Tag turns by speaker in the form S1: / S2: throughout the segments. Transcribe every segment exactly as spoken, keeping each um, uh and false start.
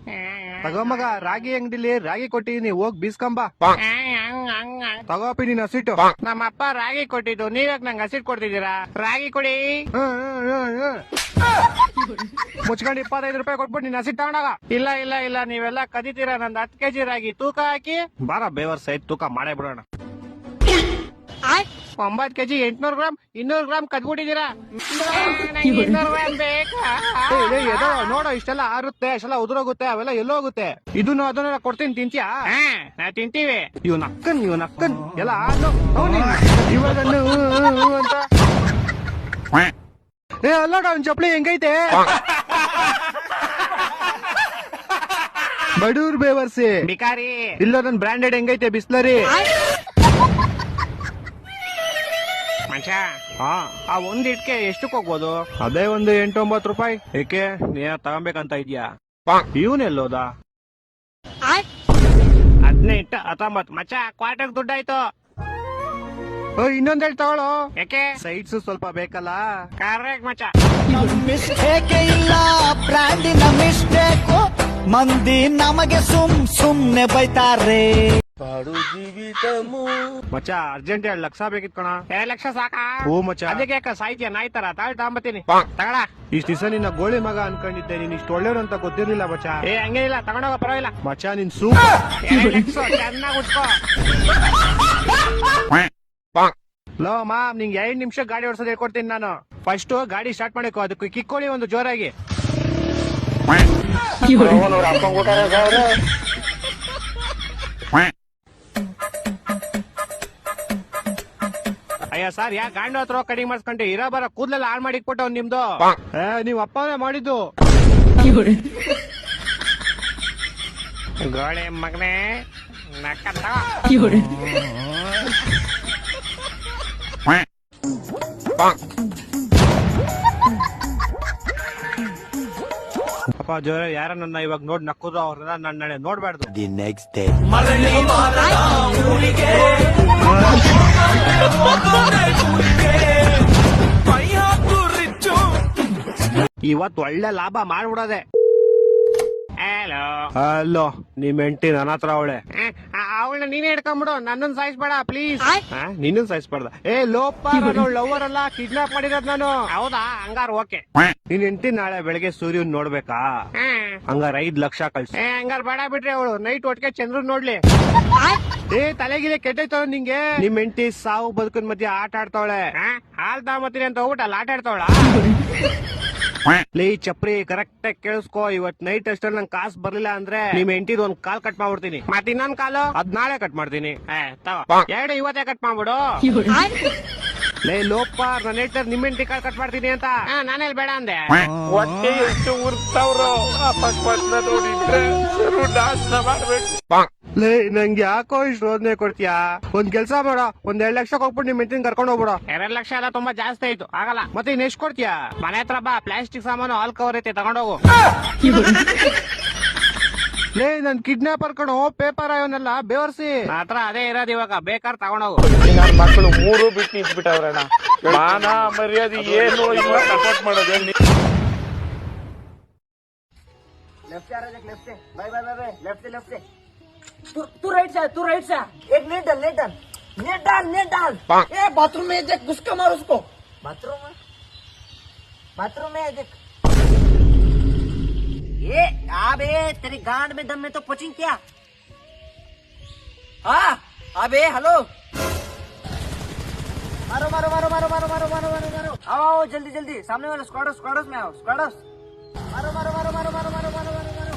S1: ತಗೋ ಮಗ, ರಾಗಿ ಅಂಗಡಿಲಿ ರಾಗಿ ಕೊಟ್ಟಿದೀನಿ, ಹೋಗ್ ಬೀಸ್ಕೊಂಬ. ತಗೋಪಿ ನೀನ್ ಹಸಿಟ್ಟು.
S2: ನಮ್ಮಪ್ಪ ರಾಗಿ ಕೊಟ್ಟಿದ್ದು, ನೀವ್ಯಾಕ್ ನಂಗೆ ಹಸಿಟ್ ಕೊಡ್ತಿದ್ದೀರಾ? ರಾಗಿ ಕೊಡಿ.
S1: ಮುಚ್ಕೊಂಡು ಇಪ್ಪತ್ತೈದು ರೂಪಾಯಿ ಕೊಟ್ಬಿಟ್ಟು ನೀನ್ ಹಸಿಟ್ ತಗೊಂಡಾಗ.
S2: ಇಲ್ಲ ಇಲ್ಲ ಇಲ್ಲ, ನೀವೆಲ್ಲ ಕದಿತೀರಾ. ನಂದು ಹತ್ತು ಕೆಜಿ ರಾಗಿ ತೂಕ ಹಾಕಿ.
S1: ಬಾರ ಬೇವರ್ ಸೈಡ್ ತೂಕ ಮಾಡೇ ಬಿಡೋಣ.
S2: ಒಂಬತ್ ಕೆಜಿ ಎಂಟ್ನೂರು ಗ್ರಾಮ್ ಇನ್ನೂರು ಗ್ರಾಮ್ ಕದ್ಬಿಟ್ಟಿದ್ದೀರಾ. ಇನ್ನೂರು ಗ್ರಾಮ್ ಬೇಕಾ?
S1: ನೋಡೋ, ಇಷ್ಟೆಲ್ಲ ಆರುತ್ತೆ, ಇಷ್ಟೆಲ್ಲ ಉದುರೋಗುತ್ತೆ, ಅವೆಲ್ಲ ಎಲ್ಲೋಗುತ್ತೆ. ಇದನ್ನು ಅದನ್ನೆಲ್ಲ ಕೊಡ್ತೀನಿ, ತಿಂತೀಯಾ?
S2: ನಾವ್ ತಿಂತೀವಿ.
S1: ಇವ್ ನಕ್ಕನ್ ಇವ್ ನಕ್ಕನ್ ಎಲ್ಲ ಆದ್ನು ಇವಾಗ ಅಂತ. ಏ ಅಲ್ಲೋಡ, ಅವ್ನ್ ಚಪ್ಲಿ ಹೆಂಗೈತೆ? ಬಡೂರ್ ಬೇವರ್ಸಿ
S2: ಬಿಕಾರಿ.
S1: ಇಲ್ಲ, ನನ್ ಬ್ರಾಂಡೆಡ್ ಹೆಂಗೈತೆ ಬಿಸ್ಲರಿ.
S2: ಮನುಷ್ಯ,
S1: ಹಾ,
S2: ಆ ಒಂದ್ ಇಟ್ಕೆ ಎಷ್ಟಕ್ ಹೋಗ್ಬೋದು?
S1: ಅದೇ ಒಂದು ಎಂಟು ಒಂಬತ್ತು ರೂಪಾಯಿ. ಏಕೆ, ನೀನ ತಗೊಂಬೇಕಂತ ಇದ್ಯಾ? ಇವನೆಲ್ಲೋದ?
S2: ಹದಿನೆಂಟು ಹತ್ತೊಂಬತ್ತು ಮಚ್ಚ, ಕ್ವಾರ್ಟರ್ ದುಡ್ಡಾಯ್ತು.
S1: ಇನ್ನೊಂದೇಳಿ ತಗೊಳ್ಳೋ.
S2: ಯಾಕೆ?
S1: ಸೈಡ್ಸ್ ಸ್ವಲ್ಪ ಬೇಕಲ್ಲ.
S2: ಕರೆಕ್ಟ್ ಮಚ್ಚ.
S3: ಮಿಸ್ಟೇಕ್ ಇಲ್ಲ, ಬ್ರ್ಯಾಂಡಿನ ಮಿಸ್ಟೇಕ್. ಮಂದಿ ನಮಗೆ ಸುಮ್ ಸುಮ್ನೆ ಬೈತಾರೆ.
S1: ಮಚ್ಚ, ಅರ್ಜೆಂಟ್ ಎರಡು ಲಕ್ಷ ಬೇಕಿತ್ ಕಣ.
S2: ಎರಡ್ ಲಕ್ಷ ಸಾಕಾ?
S1: ಓ ಮಚ್ಚ,
S2: ಅದಕ್ಕೆ ಯಾಕ ಸಾಯ್ತೀಯ ನಾಯಿ ತರ? ತಾಳ್ ತಗೊಂಬತ್ತೀನಿ, ತಗೊಳ.
S1: ಇಷ್ಟ ದಿವಸ ನಿನ್ನ ಗೋಳಿ ಮಗ ಅನ್ಕೊಂಡಿದ್ದೆ, ನೀನ್ ಇಷ್ಟು ಒಳ್ಳೆಯವ್ರು ಅಂತ ಗೊತ್ತಿರ್ಲಿಲ್ಲ ಮಚ್ಚ.
S2: ಏ ಹಂಗೇನಿಲ್ಲ, ತಗೊಂಡೋಗ, ಪರವಾಗಿಲ್ಲ.
S1: ಮಚ್ಚ, ನಿನ್ ಸೂಪ್
S2: ಚೆನ್ನಾಗಿ ಉಟ್ಕೋ.
S1: ಲೋ ಮಾ, ನಿಂಗೆ ಎರಡ್ ನಿಮಿಷ ಗಾಡಿ ಓಡಿಸೋದು ಹೇಳ್ಕೊಡ್ತೀನಿ ನಾನು. ಫಸ್ಟ್ ಗಾಡಿ ಸ್ಟಾರ್ಟ್ ಮಾಡಿಕೋ, ಅದಕ್ಕೆ ಕಿಕ್ಕೊಳ್ಳಿ ಒಂದು ಜೋರಾಗಿ.
S2: ಅಯ್ಯ ಸರ್, ಯಾ ಗಾಂಡು ಹತ್ರ ಕಡಿಂಗ್ ಮಾಡಿಸ್ಕೊಂಡೆ? ಇರೋ ಬರ ಕೂದ್ಲೆಲ್ಲ ಹಾಳು ಮಾಡಿ ಇಟ್ಬಿಟ್ಟು ನಿಮ್ದು.
S1: ಏ, ನೀವ್ ಅಪ್ಪನೇ ಮಾಡಿದ್ದು.
S2: ಗೋಳೆ ಮಗನೇ, ನಕ್ಕ
S1: ಅಪ್ಪ ಜೋರ, ಯಾರ ನನ್ನ ಇವಾಗ ನೋಡ್ ನಕ್ಕುದ್ರು ಅವ್ರನ್ನ ನನ್ನ ನಾಳೆ ನೋಡ್ಬಾರ್ದು.
S3: The next day.
S1: ಇವತ್ ಒಳ್ಳೆ ಲಾಭ ಮಾಡ್ಬಿಡೋದೆ.
S2: ಹಲೋ
S1: ಅಲ್ಲೋ, ನಿಮ್ ಹೆಂಡತಿ ನನ್ನ ಹತ್ರ ಅವಳೆ.
S2: ಅವಳನ್ನ ನೀನೇ ಹಿಡ್ಕೊಂಡ್ಬಿಡು, ನನ್ನನ್ ಸಾಯಿಸ್ಬೇಡ ಪ್ಲೀಸ್.
S1: ನಿನ್ನ ಸಾಯಿಸ್ಬಾರ್ದ. ಏ ಲೋಪ, ಲವರ್ ಅಲ್ಲ, ಕಿಡ್ನಾಪ್ ಮಾಡಿರೋದ್ ನಾನು.
S2: ಹೌದಾ? ಹಂಗಾರ ಓಕೆ.
S1: ನಿನ್ ಹೆಂಡತಿ ನಾಳೆ ಬೆಳಗ್ಗೆ ಸೂರ್ಯನ್ ನೋಡ್ಬೇಕಾ? ಹಂಗಾರ ಐದ್ ಲಕ್ಷ ಕಳ್ಸಿ.
S2: ಏ ಹಂಗಾರ ಬೇಡ ಬಿಟ್ರಿ, ಅವಳು ನೈಟ್ ಒಟ್ಟಿಗೆ ಚಂದ್ರನ್ ನೋಡ್ಲಿ.
S1: ಏ ತಲೆಗಿಲೆ ಕೆಟ್ಟೈತವ ನಿಂಗೆ. ನಿಮ್ ಹೆಂಡತಿ ಸಾವು ಬದುಕಿನ ಮಧ್ಯೆ ಆಟ ಆಡ್ತಾವಳೆ.
S2: ಹಾಲ್ ತಗೊಂಬತ್ತೀನಿ ಅಂತ ಹೋಗ್ಬಿಟ್ಟು ಆಟ ಆಡ್ತಾವಳ.
S1: ಲೇ ಚಪ್ರಿ, ಕರೆಕ್ಟ್ ಆಗಿ ಕೇಳಿಸ್ಕೋ. ಇವತ್ ನೈಟ್ ಅಷ್ಟಲ್ಲಿ ನಂಗೆ ಕಾಸು ಬರ್ಲಿಲ್ಲ ಅಂದ್ರೆ ನಿಮ್ ಹೆಂಡತಿದ್ ಒಂದ್ ಕಾಲ್ ಕಟ್ ಮಾಡ್ಬಿಡ್ತೀನಿ.
S2: ಮತ್ ಇನ್ನೊಂದ್ ಕಾಲು
S1: ಅದ್ ನಾಳೆ ಕಟ್ ಮಾಡ್ತೀನಿ.
S2: ಎರಡು ಇವತ್ತೇ ಕಟ್ ಮಾಡ್ಬಿಡು.
S1: ಲೇ ಲೋಪ, ನನ್ನ ಹೇಳ್ತಾರೆ ನಿಮ್ ಹೆಂಡತಿ ಕಾಲ್ ಕಟ್ ಮಾಡ್ತೀನಿ ಅಂತ.
S2: ನಾನೆಲ್ ಬೇಡ ಅಂದೆ.
S4: ಹೊಟ್ಟೆ ಎಷ್ಟು ಉರ್ತಾವ್ರೋ, ಅಪಸ್ಮಾತ್ನ ನೋಡಿದ್ರೆ ಸರು ನಾಶನ ಮಾಡ್ಬೇಕು.
S1: ಲೇ, ನಂಗೆ ಯಾಕೋ ಇಷ್ಟು ರೋದನೆ ಕೊಡ್ತೀಯಾ? ಒಂದ್ ಕೆಲ್ಸ ಮಾಡೋ, ಒಂದ್ ಎರಡ್ ಲಕ್ಷ ಹೋಗ್ಬಿಟ್ಟು ನಿಮ್ ಹೆಂಡತಿನ ಕರ್ಕೊಂಡು ಹೋಗ್ಬಿಡೋ.
S2: ಎರಡ್ ಲಕ್ಷ ಎಲ್ಲ ತುಂಬಾ ಜಾಸ್ತಿ ಆಯ್ತು, ಆಗಲ್ಲ.
S1: ಮತ್ತೆ ಇನ್ ಎಷ್ಟ್ ಕೊಡ್ತೀಯಾ?
S2: ಮನೆ ಹತ್ರ ಬಾ, ಪ್ಲಾಸ್ಟಿಕ್ ಸಾಮಾನು ಹಾಲ್ ಕವರ್ ಐತೆ, ತಗೊಂಡೋಗು.
S1: ಲೇ, ನನ್ ಕಿಡ್ನಾಪರ್ ಕಣೋ, ಪೇಪರ್ ಅವನ್ನೆಲ್ಲ ಬೇವರ್ಸಿ.
S2: ಹತ್ರ ಅದೇ ಇರೋದು, ಇವಾಗ ಬೇಕಾರ್ ತಗೊಂಡೋಗು.
S4: ನನ್ನ ಮಕ್ಕಳು ಮೂರು ಬಿಟ್ಟು ನಿಂತ್ಬಿಟ್ಟವ್ರಣ್ಣ. ಮಾನ ಮರ್ಯಾದೆ ಏನು ಇಲ್ಲ, ಸಪೋರ್ಟ್ ಮಾಡೋದು.
S5: लेफ्ट से आ रहा है, लेफ्ट से, बाय बाय बाय, लेफ्ट से लेफ्ट से, तू तू राइट से, तू राइट से, एक नेट डाल, नेट डाल, नेट डाल, नेट डाल. ए बाथरूम में देख, घुसका मार उसको. बाथरूम में, बाथरूम में देख. ये अबे तेरी गांड में दम में तो कोचिंग क्या? हाँ अबे हेलो, मारो मारो मारो मारो मारो मारो मारो मारो मारो, आओ आओ जल्दी जल्दी, सामने वाले स्क्वाडर्स स्क्वाडर्स में आओ, स्क्वाडर्स, मारो मारो मारो मारो मारो मारो मारो मारो मारो.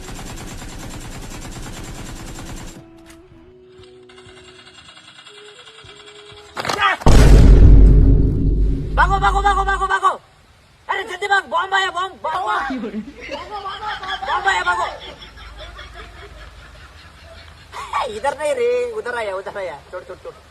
S5: भागो भागो भागो भागो भागो, अरे जल्दी भाग, बॉम्ब आया, बॉम्ब बॉम्ब, बॉम्ब आया, भागो. इधर नहीं रे, उधर आया, उधर आया, छोड़ छोड़ छोड़.